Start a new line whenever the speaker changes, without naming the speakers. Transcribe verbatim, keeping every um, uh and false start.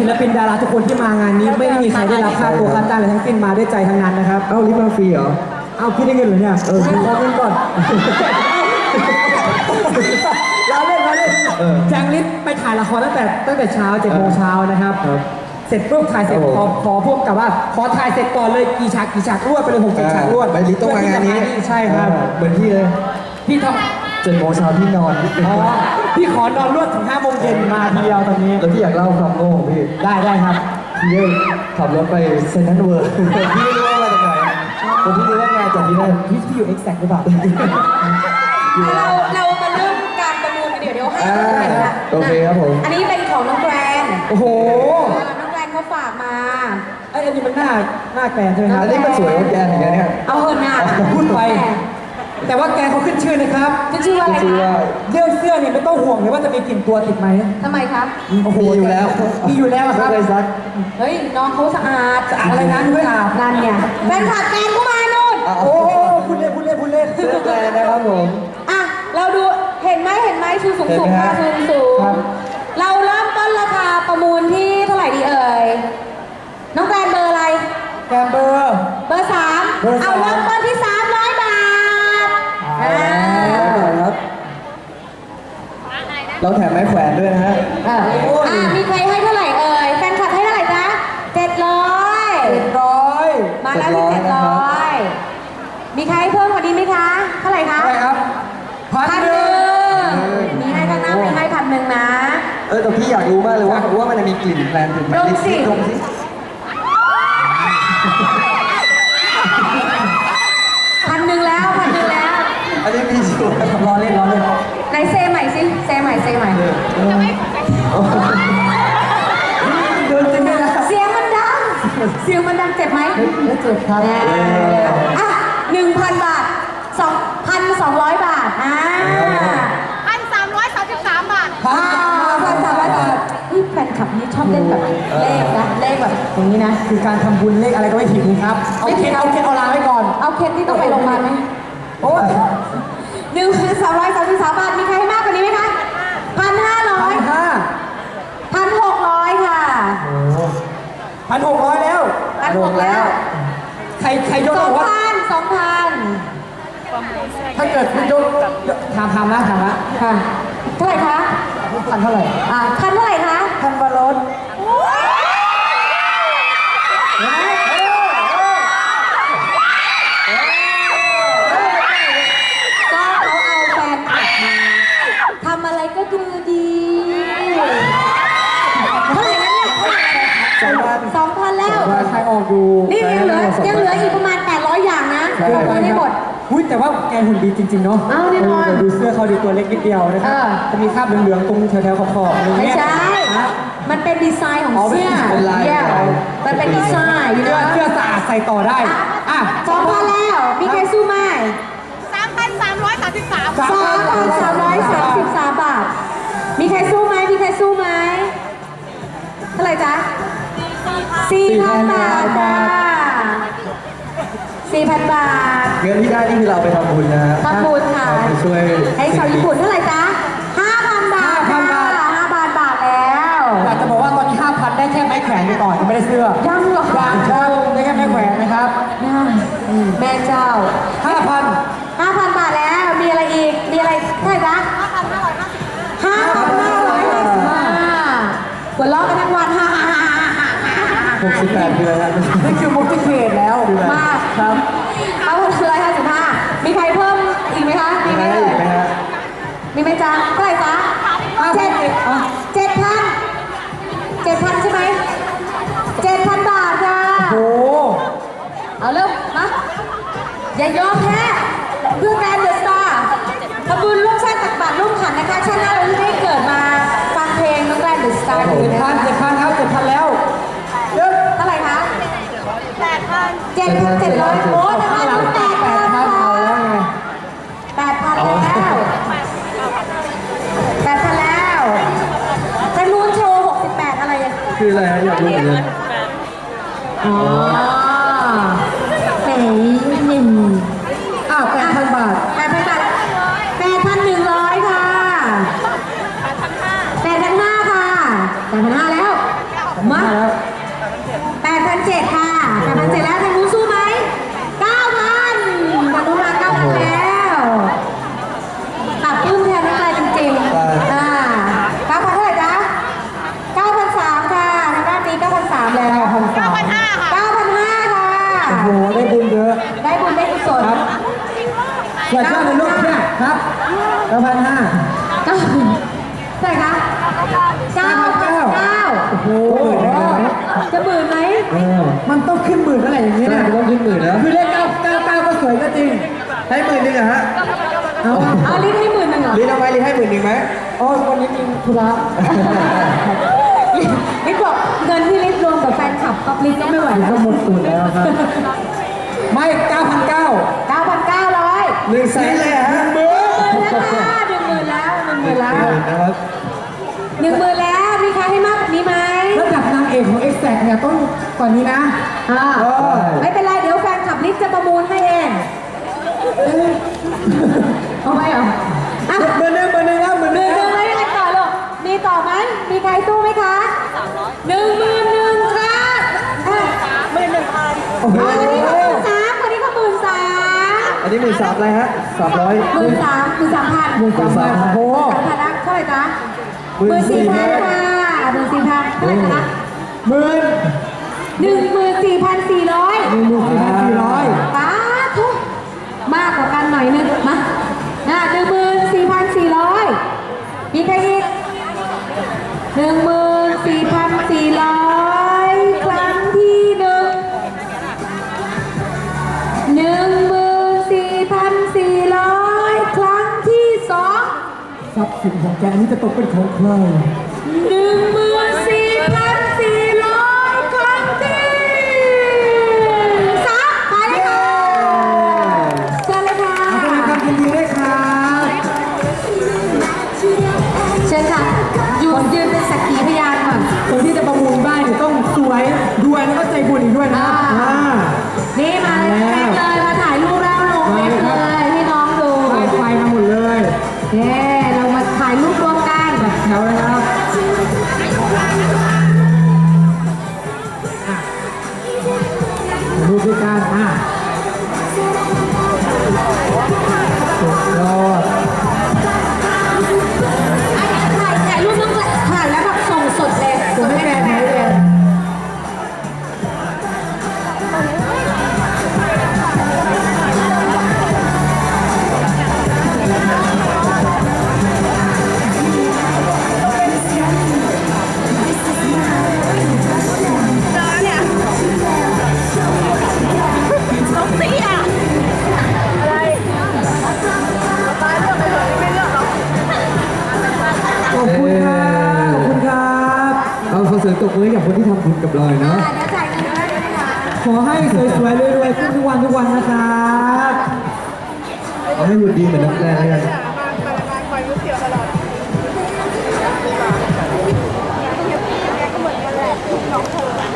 ลปินดาราทุกคนที่มางานนี้ไม่ได้มีใครได้รับค่าตัวค่าจ้างอะไรทั้งสิ้นมาด้วยใจทั้งนั้นนะครับ
เอ้าลิฟต์มาฟรีเหรอ
เอ้าพี่ได้เงินเหรอเนี่ย
เออ
ขอเงินก่อนเราเล่นเราเล่นแจงลิศไปถ่ายละครตั้งแต่ตั้งแต่เช้าเจ็ดโมงเช้านะครับเสร็จปุ๊บถ่ายเสร็จขอขอพวกกับว่าขอถ่ายเสร็จก่อนเลยกี่ฉากกี่ฉากรวดไปเลยหกเจ็ดฉากรวด
ไปลิฟต์ต้องมางานนี้
ใช่ครับ
เหมือนพี่เลย
พี่ท
ำเจ็ดโมงเช้าพี่นอน
อ๋อพี่ขอนอนรวดถึงห้าโมงเย็นมาทีเดียวตอนนี้
แล้วพี่อยากเล่าความโง่ของพี่
ได้ได้ครับ
พี่เลยขับรถไปเซนต์เวิร์พี่ไม่รู้ว่ามาจากไหนแต่พี่รู้ว่างานจากที่นั่น
พี่พี่อยู่เอ็กแซกหรือเปล่า
เราเรามาเริ่มการประมูลกันเดี๋ยวเดี๋ยวให้
โอเคครับผม
อันนี้เป็นของน้องแกรน
โอ้โห
น้องแกรนเขาฝากมา
ไอ้อันนี้มันหน้าหน้าแกรนใช่ไหมครับ
อันนี้มันสวยกว่าแกนอย่างเงี้ย
เอาเหินหน้า
พูดไปแต่ว่าแกเขาขึ้นชื่อนะครับ
ขึ้นชื่อว่าอะไรคะ
เรื่องเสื้อเนี่ยไม่ต้องห่วงเลยว่าจะมีกลิ่นตัวติดไหม
ทำไมครับ
โอ้โห
มีอยู่แล้ว
มีอยู่แล้วครับ
เลยซัก
เฮ้ยน้องเขาสะอาด
อะไรนั้นด้วยอ่ะ
นั่นเนี่ยแฟนคลับแกนก็มานู่น
โอ้พูดเล่นพูดเล่นพูดเล่น
เสื้อแกนนะครับผม
อ่ะเราดูเห็นไหมเห็นไหมชูสูงสูงค่ะชูสูงเราเริ่มต้นราคาประมูลที่เท่าไหร่ดีเอ่ยน้องแกรนเบอร์อะไร
แกรนเบอร์
เบอร์สามเอาเริ่มต้นที่สามร้อยบาท
ครับเราแถมไม้แขวนด้วยนะฮะ
อ่ามีใครให้เท่าไหร่เอ่ยแฟนคลับให้เท่าไหร่จ๊ะเจ็ดร้อย
เจ็ดร้อย
มาแล้วที่เจ็ดร้อยมีใครเพิ่มกว่านี้ไหมคะเท่าไหร่คะ
เท่าไหร่ครับ
พันหนึ่งมีให้ข้างหน้ามีให้พันหนึ่งนะ
เออแต่พี่อยากรู้มากเลยว่าว่ามันจะมีกลิ่นแพลนถึงไหม
ดมสิ
ดมสิ
พันหนึ่งแล้วพันหนึ่งแล้ว
อันนี้มีชัวร์
รอเล่นรอเล่น
ไหนเซใหม่สิเซใหม่เซใหม่
เดินจริงเลยนะ
เสียงมันดังเสียงมันดังเจ็บไหม
ไม่เจ็บครับ
อ่ะหนึ่งพันบาทสองพันสองร้อยบาทอ่า
พันสามร้อยสามสิบสามบาท
พันพันสามร้อยบาทนี่แฟนคลับนี่ชอบเล่นแบบเลขนะเลขแบบอย่างนี้นะ
คือการทำบุญเลขอะไรก็ไม่ผิดครับเอาเคสเอาเคสเอาลาไว้ก่อน
เอาเคสที่ต้องไปโรงพยาบาลไหม
โอ้ย
หนึ่งพันสามร้อยสามสิบสามบาทมีใครให้มากกว่านี้ไหมคะพันห้าร้อย
ห้า
พันหกร้อยค่ะ
พันหกร้อยแล้ว
พันหกแล้ว
ใครใครยก
สองพันสองพัน
ถ้าเกิดคุณยกถามถามนะถามนะ
ค่ะเท่าไหร่คะ
พันเท่าไหร่
อ่าพันเท่าไหร่คะ
พันบาท
ก็เขาเอาแฟนคลับมาทำอะไรก็ดูดีเท่าไหร่นะเนี่ยสองพันสองพันแล้ว
ใครออกดู
นี่ยังเหลือยังเหลืออีกประมาณแปดร้อยอย่างนะยังไม่หมด
หุ้ยแต่ว่าแกหุ่นดีจริงๆเนาะ
เอาแน่นอน
ดูเสื้อเขาดีตัวเล็กนิดเดียวนะครับจะมีคราบเหลืองๆตรงแถวๆขอบๆ
ไม่ใช่มันเป็นดีไซน์ของเสื้อมันเป็นดีไซน์
เสื้อเสื้อสะอาดใส่ต่อได้อ่ะ
สองพันแล้วมีใครสู้ไหม
สามพันสามร้อยสามสิบสาม
สามพันสามร้อยสามสิบสามบาทมีใครสู้ไหมมีใครสู้ไหมเท่าไหร่จ๊ะสี่พันบาทจ้าสี่พันบาท
เงินที่ได้นี่คือเราไปทำบุญนะ
ทำบุญค่ะ
ไปช่วย
ให้ชาวญี่ปุ่นเท่าไหร่จ๊ะห้าพันบาทห้าพันบาทห้าพันบาทแล้ว
อยากจะบอกว่าตอนนี้ห้าพันได้แค่ไม้แขวนไปก่อนยังไม่ได้เสื้อ
ยังเหรอคะ
ยังครับได้แค่ไม้แขวนนะครับ
แม่เจ้า
ห้าพัน
ห้าพันบาทแล้วมีอะไรอีกมีอะไรเท่าไหร่จ๊ะห้าพันห้าร้อยห้าสิบห้าพันห้าร้อยห้าสิบห้าหัวเราะกันทั้งวันฮ่าฮ่าฮ่า
หกสิบแปดเดือนแล้ว
นี่คือมุกที่เขตแล้ว
มากครับเอาหนึ่งร้อยห้าสิบห้ามีใครเพิ่มอีกไหมคะมีไหมมีไหมจ๊ะเท่าไหร่จ๊ะเจ็ดเจ็ดพันเจ็ดพันใช่ไหมเจ็ดพันบาทจ้า
โอ้
เอาเร็วมาอย่ายอมแพ้เพื่อแกรนด์เดอะสตาร์ขบุญร่วมชาติตักบาตรร่วมขันนะคะชาติหน้าเราจะได้เกิดมาฟังเพลงน้องแกรนด์เดอะสตาร์
เจ็ดพันเจ็ดพันครับเจ็ดพันแล้วเยอะ
เท่าไหร่คะ
แปดพัน
เจ็ดพันเจ็ดร้อยโอ้นะคะน้องแปดพัน
เอาแล้วไง
แปดพันแล้วแปดพันแล้วจะนู้นโชว์หกสิบแปดอะไร
คืออะไรฮะอยากรู้เหมือนกัน
อ๋อแหมหนึ่ง
อ้าวแปดพันบาท
แปดพันบาทแปดพันหนึ่งร้อยค่ะแปดพันห้าแปดพันห้าค่ะแปดพันห้าแล้วมา
แล้ว
แปดพันเจ็ดค่ะแปดพันเจ็ดแล้วทางนู้นสู้ไหมเก้าพันทางนู้นมาเก้าพันแล้วตัดปลื้มแทนน้ำใจจริงๆอ่าเก้าพันเท่าไหร่จ๊ะเก้าพันสามค่ะทางด้านนี้เก้าพันสามแล้ว
เก้าพัน
เก้าพันห้าค่ะ
เก้าพันห้าค่ะ
โอ้โหได้บุญเยอะ
ได้บุญได้กุศล
ครับเกิดขึ้นในโลกเนี่ยครับเก้าพันห้า
เก้าเท่าไหร่คะเก้าพันเก้า
โอ้โห
จะหมื่นไหม
เออมันต้องขึ้นหมื่นอะไรอย่างนี้
ใช่
นะ
ต้องขึ้นหมื่นนะ
คือเลขเก้าเก้าเก้าก็สวยก็จริง
ให้หมื่นหนึ่งเหรอฮะ
เอา
เอาลิ้นให้หมื่นหนึ่งเหรอ
ลิ้นเอาไว้ลิ้นให้หมื่นหนึ่งไหม
อ๋อวันนี้มีธุระ
ลิศบอกเงินที่ลิศรวมกับแฟนคลับก็ลิศก็ไม่ไหวแล้ว
ก็หมดตูดแล้วครับ ไม่เก้าพันเก้า
เก้าพันเก้าร้อย
หนึ่งแสนเลยเหรอฮะ
หมื่น
หมื่นแล้วค่ะหนึ่งหมื่นแล้วหนึ่งหมื่นแล้ว
หมื่นนะครับ
หนึ่งหมื่นแล้วมีใครให้มากกว่านี้ไหม
ระดับนางเอกของ Exact เนี่ยต้องกว่านี้นะ
อ่าไม่เป็นไรเดี๋ยวแฟนคลับลิศจะประมูลให้เองเอาไว้เหรออ่ะ
เบอร์หนึ่งเบอร์หนึ่งครับเบอร์ห
ห
นึ่
นึ่
ง
งหนึ่งเลยยังไงต่อลูกมีต่อไหมมีใครสู้ไหมคะหนึ่งหมื่นหนึ่งค่ะอ่ะ
โอ้โห
อันนี้ก็หมื่นสามคนนี้ก็หมื่นสาม
อันนี้หมื่นสามอะไรฮะสามร้อย
หมื่นสามหมื่นสามพัน
หมื่นสามพันโอ้โห
สามพันนะเท่าไหร่จ๊ะ
หมื่นสี่พัน
ค่ะหมื่นสี่พันเท่าไหร่จ๊ะ
หมื่น
หนึ่งหมื่นสี่พันสี่ร้อย
หนึ่งหมื่นสี่พันสี่ร้อย
ป้าทุกมากกว่ากันหน่อยนึงมาอ่ะหนึ่งหมื่นสี่พันสี่ร้อยมีใครอีกหนึ่งหมื่นสี่พันสี่ร้อยครั้งที่หนึ่งหนึ่งหมื่นสี่พันสี่ร้อยครั้งที่สอง
ทรัพย์สินของแกอันนี้จะตกเป็นของใคร
หนึ่งหมื่นสี่พันสี่ร้อยครั้งที่สามไปเลยค่ะเชิญเลยค่ะ
ขอบคุณครับยินดีด้วยครับ
เชิญค่ะยืนยืนเป็นสักขีพยานก่อน
คนที่จะประมูลบ้านเนี่ยต้องสวยรวยแล้วก็ใจบุญอีกด้วยนะ
อ่า
อ่า
นี่มาเลยแม็กเลยมาถ่ายรูปแล้วลงเฟซเลยให้น้องดู
ไฟไฟมาหมดเลย
เย้เรามาถ่ายรูปรวมกัน
แถวนะครับรูปด้วยกันอ่ะสุดยอด
ถ่ายถ่ายรูปต้องถ่ายแล้วแบบส่งสดเลย
ส่งให้แฟนให้แฟน
น้องสีอ่ะอะไรตายเลือกไปเถอะไม่เลือกหรอก
ขอบคุณครับขอบคุณครับ
เอาขอเสียงตบมือให้กับคนที่ทำบุญกับเราหน่อย
อ่า
นะ
เดี๋ยวจ่ายเงินให้ด้วยนะคะ
ขอให้สวยๆรวยๆขึ้นทุกวันทุกวันนะครับ
เอาให้หุ่นดีเหมือนนักแสดงแล้วกัน
คอยรู้เสียวตลอดแกก็เหมือนกันแหละน้องเธอ